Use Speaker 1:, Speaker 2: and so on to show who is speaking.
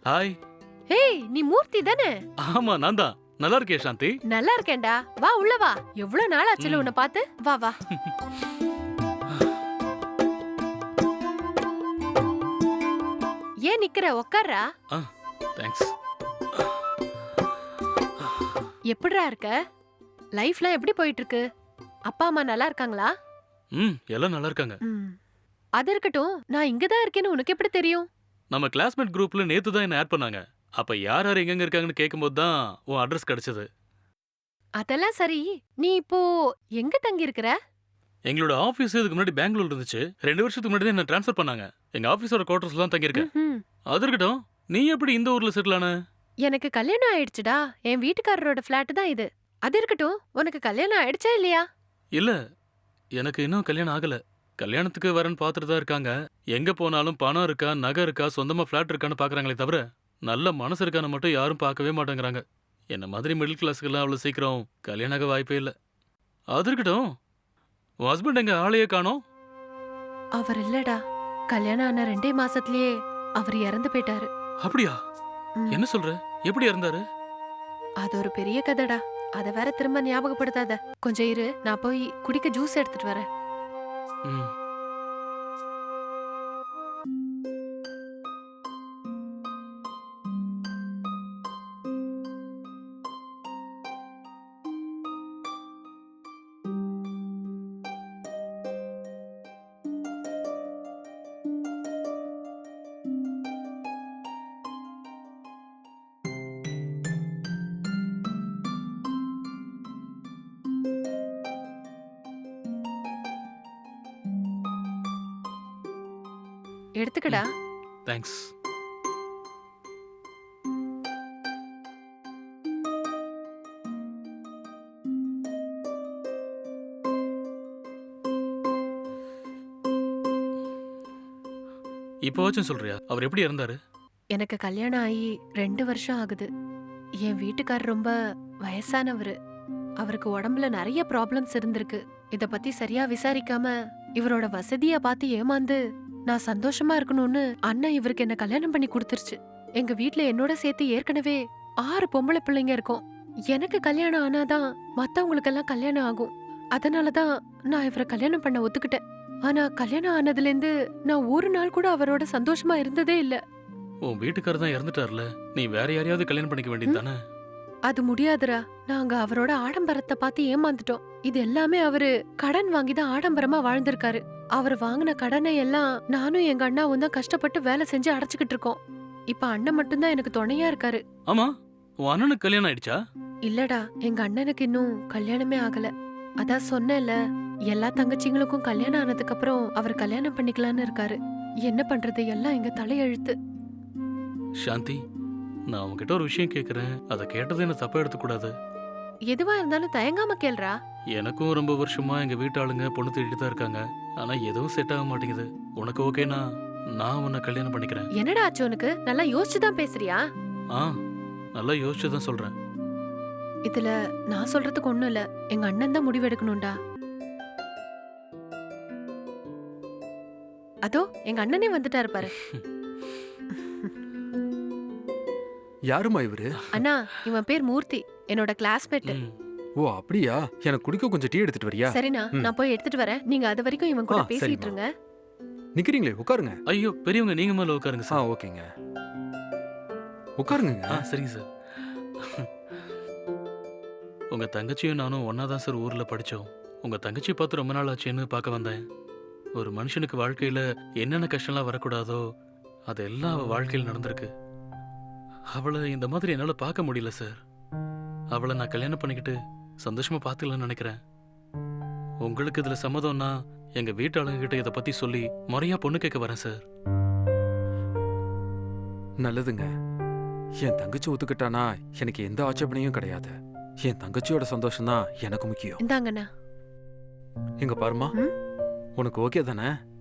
Speaker 1: Hi.
Speaker 2: Hey, நீ மூர்த்தி தானே?
Speaker 1: ஆமா, நான் தான். நல்லா இருக்கே சாந்தி?
Speaker 2: நல்லா இருக்கேன்டா. வா உள்ள வா. எவ்வளவு நாள் ஆச்சுல உன்னை பார்த்து. வா வா. ஏன் நிக்கிற? உட்கார்றா.
Speaker 1: தேங்க்ஸ்.
Speaker 2: எப்படிடா இருக்க? லைஃப்லாம் எப்படி போயிட்டு இருக்கு? அப்பா அம்மா நல்லா இருக்காங்களா?
Speaker 1: எல்லாம் நல்லா இருக்காங்க.
Speaker 2: அது இருக்கட்டும், நான் இங்க தான் இருக்கேன்னு உனக்கு எப்படி தெரியும்?
Speaker 1: நம்ம கிளாஸ்மேட் குரூப்ல நேத்து தான் என்ன ஆட் பண்ணாங்க. அப்ப யார் யார் எங்க இருக்காங்கன்னு கேட்கும்போது தான் உன் அட்ரஸ் கிடைச்சது.
Speaker 2: அதெல்லாம் சரி, நீ இப்போ எங்க தங்கி இருக்கிற?
Speaker 1: எங்களோட ஆபீஸ் இதுக்கு முன்னாடி பெங்களூர்ல இருந்துச்சு. 2 வருஷத்துக்கு முன்னாடி என்ன ட்ரான்ஸ்ஃபர் பண்ணாங்க. எங்க ஆபீஸோட குவார்டர்ஸ்ல தான் தங்கி இருக்கேன். அது இருக்கட்டும், நீ எப்படி இந்த ஊர்ல செட்டில் ஆன?
Speaker 2: எனக்கு கல்யாணம் ஆயிடுச்சுடா. என் வீட்டுக்காரரோட ஃபிளாட் தான் இது. அது இருக்கட்டும், உனக்கு கல்யாணம் ஆயிடுச்சா இல்லையா?
Speaker 1: இல்ல, எனக்கு இன்னும் கல்யாணம் ஆகல. கல்யாணத்துக்கு வரேன்னு பார்த்துட்டு தான் இருக்காங்க. எங்க போனாலும் பணம் இருக்கா, நகை இருக்கா, சொந்தமா ஃபிளாட் இருக்கான்னு பாக்குறாங்களே தவிர நல்ல மனசு இருக்கான்னு மட்டும் யாரும் பார்க்கவே மாட்டேங்கிறாங்க. என்ன மாதிரி மிடில் கிளாஸுக்கெல்லாம் அவ்வளவு சீக்கிரம் கல்யாணம் ஆக வாய்ப்பே இல்லை. அது இருக்கட்டும், உன் ஹஸ்பண்ட் எங்க ஆளையே காணோம்?
Speaker 2: அவர் இல்லடா. கல்யாணம் ஆன 2 மாசத்துலயே அவர் இறந்து போயிட்டாரு.
Speaker 1: அப்படியா? என்ன சொல்ற? எப்படி இறந்தாரு?
Speaker 2: அது ஒரு பெரிய கதைடா. அத வேற திரும்ப ஞாபகப்படுத்தாத. கொஞ்சம் இரு, நான் போய் குடிக்க ஜூஸ் எடுத்துட்டு வரேன்.
Speaker 1: ம்.
Speaker 2: எடுத்துக்கடா.
Speaker 1: தேங்க்ஸ். இப்போவாச்சும் சொல்றியா அவர் எப்படி இறந்தாரு?
Speaker 2: எனக்கு கல்யாணம் ஆகி 2 வருஷம் ஆகுது. என் வீட்டுக்காரர் ரொம்ப வயசானவரு. அவருக்கு உடம்புல நிறைய ப்ராப்ளம்ஸ் இருந்திருக்கு. இத பத்தி சரியா விசாரிக்காம இவரோட வசதிய பார்த்து ஏமாந்து நான் சந்தோஷமா இருக்கணும்னு அண்ணன் இவருக்கு என்ன கல்யாணம் பண்ணி கொடுத்துருச்சு. எங்க வீட்ல என்னோட சேர்த்து ஏற்கனவே 6 பொம்பளை பிள்ளைங்க இருக்கோம். எனக்கு கல்யாணம் ஆனாதான் மத்தவங்களுக்கெல்லாம் கல்யாணம் ஆகும். அதனாலதான் நான் இவரை கல்யாணம் பண்ண ஒத்துக்கிட்டேன். ஆனா கல்யாணம் ஆனதுல இருந்து நான் ஒரு நாள் கூட அவரோட சந்தோஷமா இருந்ததே இல்ல.
Speaker 1: உன் வீட்டுக்காரர் தான் இறந்துட்டார்ல, நீ வேற யாரையாவது கல்யாணம் பண்ணிக்க வேண்டியது தானே?
Speaker 2: அது முடியாதுடா. நாங்க அவரோட ஆடம்பரத்தை பார்த்து ஏமாந்துட்டோம். இது எல்லாமே அவரு கடன் வாங்கி தான் ஆடம்பரமா வாழ்ந்திருக்காரு. அவர் வாங்கின கடனை எல்லாம் நானும் எங்க அண்ணாவும் தான் கஷ்டப்பட்டு வேலை செஞ்சு அடைச்சுக்கிட்டு இருக்கோம். இப்ப அண்ணன் மட்டும்தான் எனக்கு துணையா இருக்காரு.
Speaker 1: ஆமா, உன் அண்ணனுக்கு கல்யாணம் ஆயிடுச்சா?
Speaker 2: இல்லடா, எங்க அண்ணனுக்கு இன்னும் கல்யாணமே ஆகல. அதான் சொன்னேன்ல, எல்லா தங்கச்சிங்களுக்கும் கல்யாணம் ஆனதுக்கு அப்புறம் அவர் கல்யாணம் பண்ணிக்கலான்னு இருக்காரு. என்ன பண்றது, எல்லாம் எங்க தலையெழுத்து.
Speaker 1: சாந்தி, நான் உன்கிட்ட ஒரு விஷயம் கேக்குறேன். அதை கேட்டது என்ன தப்பா எடுத்துக்கூடாது.
Speaker 2: எதுவா இருந்தாலும் தயங்காம கேள்றா.
Speaker 1: எனக்கும் ரொம்ப வருஷமா எங்க வீட்டாளுங்க பொண்ணு தேடிட்டு தான் இருக்காங்க. ஆனா எதுவும் செட் ஆக மாட்டேங்குது. உனக்கு ஓகேனா நான் உன்னை கல்யாணம் பண்ணிக்கிறேன்.
Speaker 2: என்னடா ஆச்சு உனக்கு? நல்லா யோசிச்சுதான் பேசுறியா?
Speaker 1: நல்லா யோசிச்சு தான் சொல்றேன்.
Speaker 2: இதுல நான் சொல்றதுக்கு ஒண்ணும் இல்ல. எங்க அண்ணன் தான் முடிவெடுக்கணும்டா. அதோ எங்க அண்ணனே வந்துட்டாரு பாரு.
Speaker 3: யாருமா இவரு?
Speaker 2: அண்ணா, இவன் பேர் மூர்த்தி, என்னோட கிளாஸ்மேட்.
Speaker 3: ஓ அப்படியா? எனக்கு குடிக்க கொஞ்சம் டீ எடுத்துட்டு வரியா?
Speaker 2: சரிண்ணா, நான் போய் எடுத்துட்டு வரேன். நீங்க அது வரைக்கும் இவன் கூட பேசிட்டு
Speaker 3: சரிம்மா.
Speaker 2: இருங்க.
Speaker 3: நிக்கிறீங்களே, உட்காருங்க.
Speaker 1: ஐயோ பெரியவங்க, நீங்க மேல உட்காருங்க சார்.
Speaker 3: ஓகேங்க, உட்காருங்க.
Speaker 1: சரிங்க சார். உங்க தங்கச்சியும் நானும் ஒன்னா தான் சார் ஊர்ல படிச்சோம். உங்க தங்கச்சியை பார்த்து ரொம்ப நாள் ஆச்சுன்னு பார்க்க வந்தேன். ஒரு மனுஷனுக்கு வாழ்க்கையில என்னென்ன கஷ்டம்லாம் வரக்கூடாதோ அதெல்லாம் அவ வாழ்க்கையில் நடந்திருக்கு. அவளை இந்த மாதிரி என்னால பார்க்க முடியல சார். அவளை நான் கல்யாணம் பண்ணிக்கிட்டு சந்தோஷமா பார்த்துக்கலாம்னு நினைக்கிறேன். உங்களுக்கு இதுல சம்மதம்னா எங்க வீட்டாளுங்க கிட்ட இதை பத்தி சொல்லி முறையா பொண்ணு கேட்க வரேன் சார்.
Speaker 3: நல்லதுங்க. என் தங்கச்சி ஒத்துக்கிட்டானா எனக்கு எந்த ஆட்சேபனையும் கிடையாது. என் தங்கச்சியோட சந்தோஷம் தான் எனக்கு முக்கியம்.
Speaker 2: இந்தாங்கண்ணா.
Speaker 3: இங்க பாருமா, உனக்கு ஓகே தானே?